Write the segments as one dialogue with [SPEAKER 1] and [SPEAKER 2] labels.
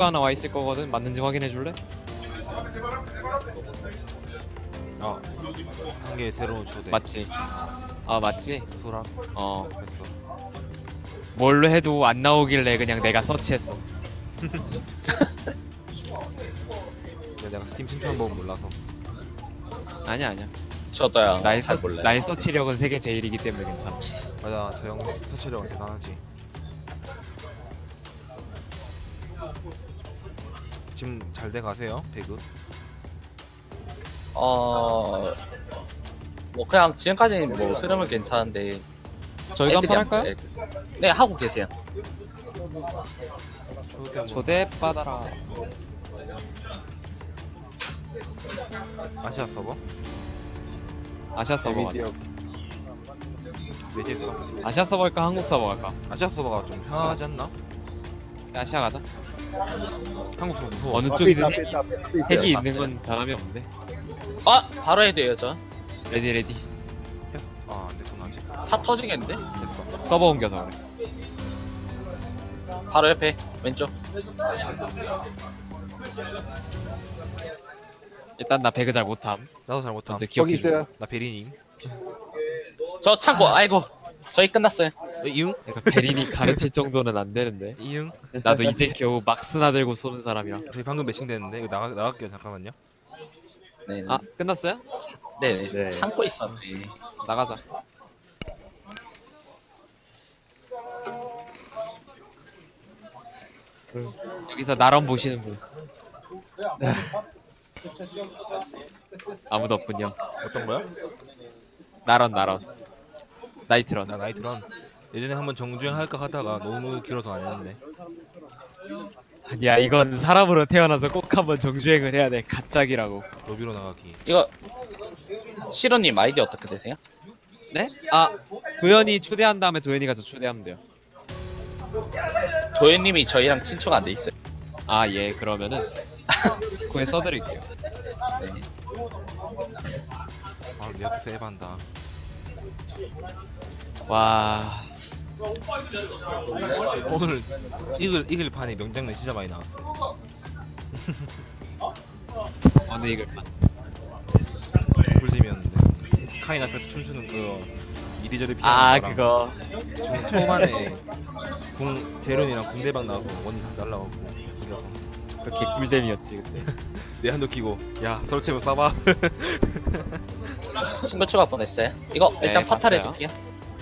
[SPEAKER 1] 하나 와 있을 거거든. 맞는지 확인해 줄래?
[SPEAKER 2] 한 개 새로운 초대.
[SPEAKER 1] 맞지? 아 맞지?
[SPEAKER 2] 수락
[SPEAKER 1] 어
[SPEAKER 2] 했어.
[SPEAKER 1] 뭘로 해도 안 나오길래 그냥 내가 서치했어.
[SPEAKER 2] 내가 스팀 신청 번 몰라서.
[SPEAKER 1] 아니야.
[SPEAKER 3] 저도요.
[SPEAKER 1] 나의
[SPEAKER 3] 잘 몰라요.
[SPEAKER 1] 나의 서치력은 세계 제일이기 때문에 괜찮아.
[SPEAKER 2] 맞아, 저 형 터치력은 대단하지. 지금 잘 돼 가세요, 배그?
[SPEAKER 3] 뭐 그냥 지금까지는 뭐 흐름은 괜찮은데
[SPEAKER 1] 저희도
[SPEAKER 3] 애들이
[SPEAKER 1] 한판 할까요?
[SPEAKER 3] 네, 하고 계세요.
[SPEAKER 2] 초대 한번.
[SPEAKER 1] 초대 받아라.
[SPEAKER 2] 아시아 서버?
[SPEAKER 1] 아시아 서버 가자.
[SPEAKER 2] 매제 서버.
[SPEAKER 1] 아시아 서버 할까 한국 서버 갈까?
[SPEAKER 2] 아시아 서버가 좀 편하지 않나?
[SPEAKER 1] 아시아 가자.
[SPEAKER 2] 한국 서버 무서워.
[SPEAKER 1] 어느 쪽이든 핵이 있는
[SPEAKER 3] 맞아요.
[SPEAKER 1] 건 변함이 없는데.
[SPEAKER 3] 바로 해야 돼요, 저.
[SPEAKER 1] 레디.
[SPEAKER 2] 안 됐구나 아직.
[SPEAKER 3] 차 터지겠는데?
[SPEAKER 2] 됐어.
[SPEAKER 1] 서버 옮겨서 그래.
[SPEAKER 3] 바로 옆에 왼쪽.
[SPEAKER 1] 일단 나 배그 잘 못함.
[SPEAKER 2] 나도 잘 못함.
[SPEAKER 1] 먼저 기억해 줘.
[SPEAKER 2] 나 베리님.
[SPEAKER 3] 저 창고. 아이고, 저희 끝났어요.
[SPEAKER 2] 이응?
[SPEAKER 1] 그러니까 베린이 가르칠 정도는 안 되는데.
[SPEAKER 2] 이응?
[SPEAKER 1] 나도 이제 겨우 막스나 들고 쏘는 사람이라.
[SPEAKER 2] 저희 방금 매칭 됐는데 이거 나갈게요. 잠깐만요.
[SPEAKER 3] 네.
[SPEAKER 1] 아 끝났어요?
[SPEAKER 3] 네.
[SPEAKER 4] 네.
[SPEAKER 3] 창고 있었네.
[SPEAKER 1] 나가자. 여기서 나런 보시는 분. 아무도 없군요.
[SPEAKER 2] 어떤 거야?
[SPEAKER 1] 나런. 나이트런.
[SPEAKER 2] 나 나이트런. 예전에 한번 정주행 할까 하다가 너무 길어서 안 했는데.
[SPEAKER 1] 아니야 이건 사람으로 태어나서 꼭 한번 정주행을 해야 돼. 가짝이라고.
[SPEAKER 2] 로비로 나가기.
[SPEAKER 3] 이거 시로님 아이디 어떻게 되세요?
[SPEAKER 1] 네? 아 도현이 초대한 다음에 도현이가 저 초대하면 돼요.
[SPEAKER 3] 도현님이 저희랑 친추가 안 돼 있어요.
[SPEAKER 1] 아 예 그러면은 디코에 써드릴게요.
[SPEAKER 3] 네.
[SPEAKER 2] 내 앞에서 에반다.
[SPEAKER 1] 와
[SPEAKER 2] 오늘 이글 판에 명장면 진짜 많이 나왔어.
[SPEAKER 1] 어느 이글 판.
[SPEAKER 2] 꿀잼이었는데. 카인 앞에서 춤추는 그 이리저리 피하는
[SPEAKER 1] 아
[SPEAKER 2] 거랑
[SPEAKER 1] 그거
[SPEAKER 2] 초반에 재련이랑 궁대박 나와서 원이 다 잘라가고 이겨서
[SPEAKER 1] 그 개꿀잼이었지 그때.
[SPEAKER 2] 내 한도 끼고 야 설치면 쏴봐.
[SPEAKER 3] 친구 추가 보냈어요. 이거
[SPEAKER 1] 네,
[SPEAKER 3] 일단 파탈
[SPEAKER 1] 봤어요.
[SPEAKER 3] 해둘게요.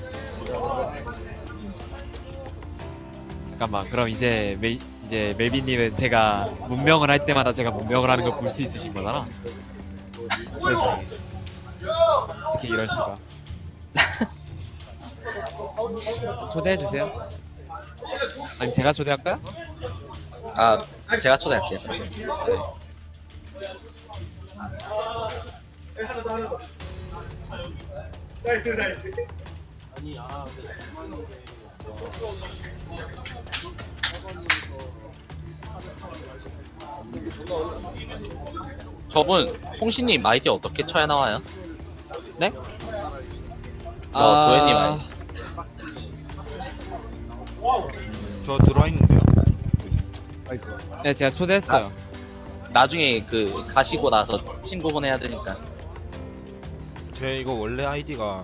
[SPEAKER 1] 잠깐만 그럼 이제 멜빈님은 제가 문명을 할 때마다 제가 문명을 하는 걸 볼 수 있으신 거잖아. 세상에 어떻게 이럴 수가. 초대해 주세요. 아니 제가 초대할까요?
[SPEAKER 3] 아, 제가 초대할게요. 저분 홍신님 아이디 어떻게 쳐야 나와요?
[SPEAKER 1] 네?
[SPEAKER 3] 저 도현님 아이디.
[SPEAKER 2] 저 들어와 있는데요.
[SPEAKER 1] 네 제가 초대했어요.
[SPEAKER 3] 나중에 그 가시고 나서 친구분 해야 되니까.
[SPEAKER 2] 제 이거 원래 아이디가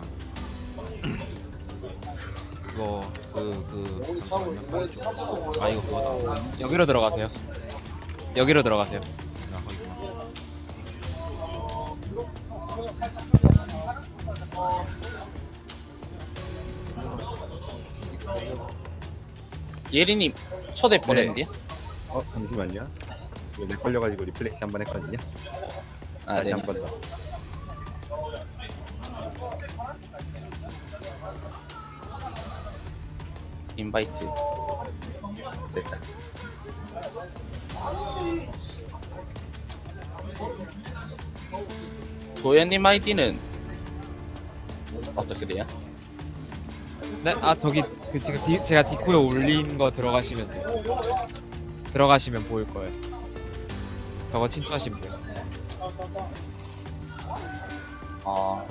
[SPEAKER 2] 이거 잠깐만요. 이거 그거다.
[SPEAKER 1] 여기로 들어가세요. 여기로 들어가세요.
[SPEAKER 2] 나 거기구나.
[SPEAKER 3] 예리님 초대 보냈는데요?
[SPEAKER 4] 잠시만요. 이거 렉 걸려가지고 리플렉시 한번 했거든요.
[SPEAKER 3] 아,
[SPEAKER 4] 다시
[SPEAKER 3] 네.
[SPEAKER 4] 한 번 더.
[SPEAKER 3] 인바이트. 됐다. 도현님 아이디는 어떻게 돼요?
[SPEAKER 1] 네? 아 저기 그 지금 제가 디코에 올린 거 들어가시면 돼요. 들어가시면 보일 거예요. 저거 친추하시면 돼요.
[SPEAKER 3] 어,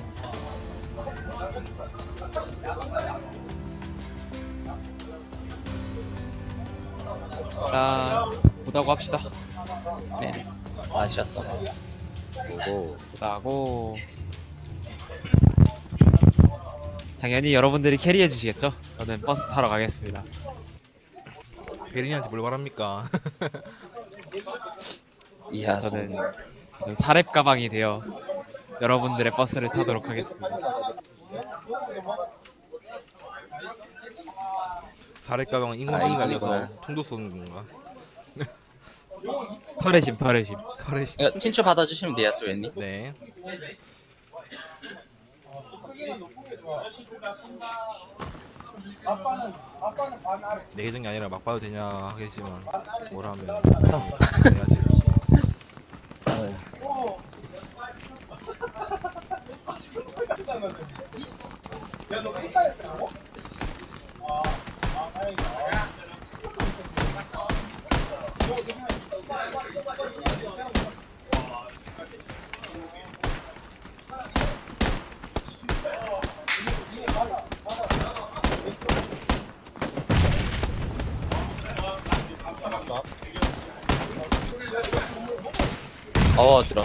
[SPEAKER 1] 일단 보다고 합시다.
[SPEAKER 3] 네. 아시았어.
[SPEAKER 4] 보고
[SPEAKER 1] 보다고. 당연히 여러분들이 캐리해 주시겠죠? 저는 버스 타러 가겠습니다.
[SPEAKER 2] 베린이한테 뭘 바랍니까?
[SPEAKER 3] 이야.
[SPEAKER 1] 저는 사렙 가방이 되어 여러분들의 버스를 타도록 하겠습니다.
[SPEAKER 2] 사례 가방은 인공지능이
[SPEAKER 3] 이거구나.
[SPEAKER 2] 날려서 총도 쏘는 건가?
[SPEAKER 1] 털의심 털의심.
[SPEAKER 2] 사례
[SPEAKER 3] 이거 친추 받아주시면 돼요, 두현님.
[SPEAKER 2] 네. 내 계정이 아니라 막 봐도 되냐 하겠지만 뭘 하면 해야지.
[SPEAKER 3] 주라.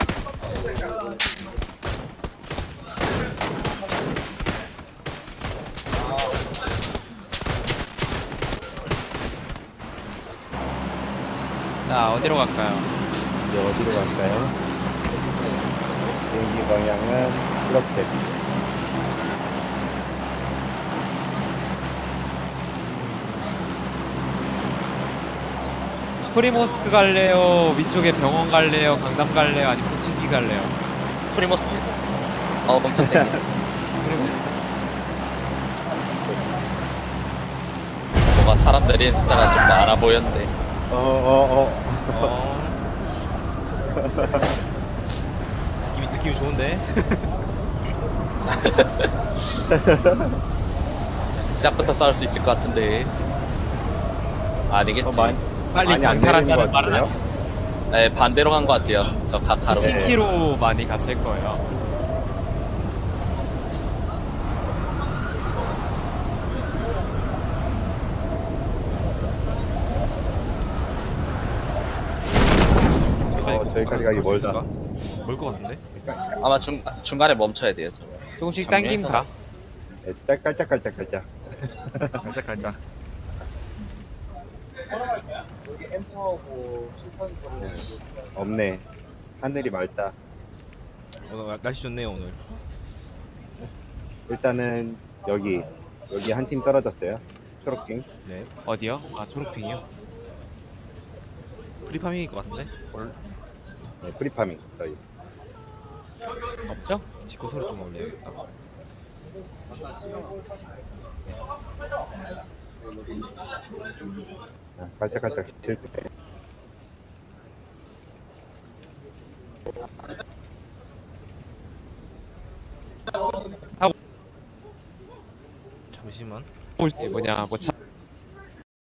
[SPEAKER 1] 자 어디로 갈까요?
[SPEAKER 4] 이제 어디로 갈까요? 비행기 방향은 이렇게.
[SPEAKER 1] 프리모스크 갈래요? 위쪽에 병원 갈래요? 강남 갈래요? 아니면 호치기 갈래요?
[SPEAKER 3] 프리모스크. 엄청 땡겨.
[SPEAKER 1] 프리모스크.
[SPEAKER 3] 뭐가 사람 내리는 숫자가 좀 많아 보였는데.
[SPEAKER 2] 느낌이 좋은데?
[SPEAKER 3] 시작부터 싸울 수 있을 것 같은데. 아니겠지.
[SPEAKER 1] 빨리
[SPEAKER 4] 많이 안 내리는
[SPEAKER 1] 강탈한다는
[SPEAKER 4] 것
[SPEAKER 1] 말은
[SPEAKER 4] 같은데요?
[SPEAKER 3] 네, 반대로 간 것 같아요. 저 가카로.
[SPEAKER 1] 2,000km 많이 갔을 거예요.
[SPEAKER 4] 저기까지 가기 멀다.
[SPEAKER 2] 멀것 같은데?
[SPEAKER 3] 아마 중간에 멈춰야 돼요. 저.
[SPEAKER 1] 조금씩 당김 가.
[SPEAKER 4] 네, 깔짝깔짝깔짝.
[SPEAKER 2] 갈짝갈짝.
[SPEAKER 5] 여기 M4하고 실판 거리는
[SPEAKER 4] 없네. 하늘이 맑다.
[SPEAKER 2] 오늘 날씨 좋네요 오늘.
[SPEAKER 4] 일단은 여기 한 팀 떨어졌어요. 초록빙.
[SPEAKER 2] 네.
[SPEAKER 1] 어디요? 아 초록핑이요?
[SPEAKER 2] 프리파밍일 것 같은데?
[SPEAKER 4] 네, 프리파밍 저희.
[SPEAKER 1] 없죠?
[SPEAKER 2] 지코 소리 좀 올려야겠다.
[SPEAKER 4] 깔짝깔짝 실패.
[SPEAKER 2] 잠시만.
[SPEAKER 1] 올 때 뭐냐 뭐 차.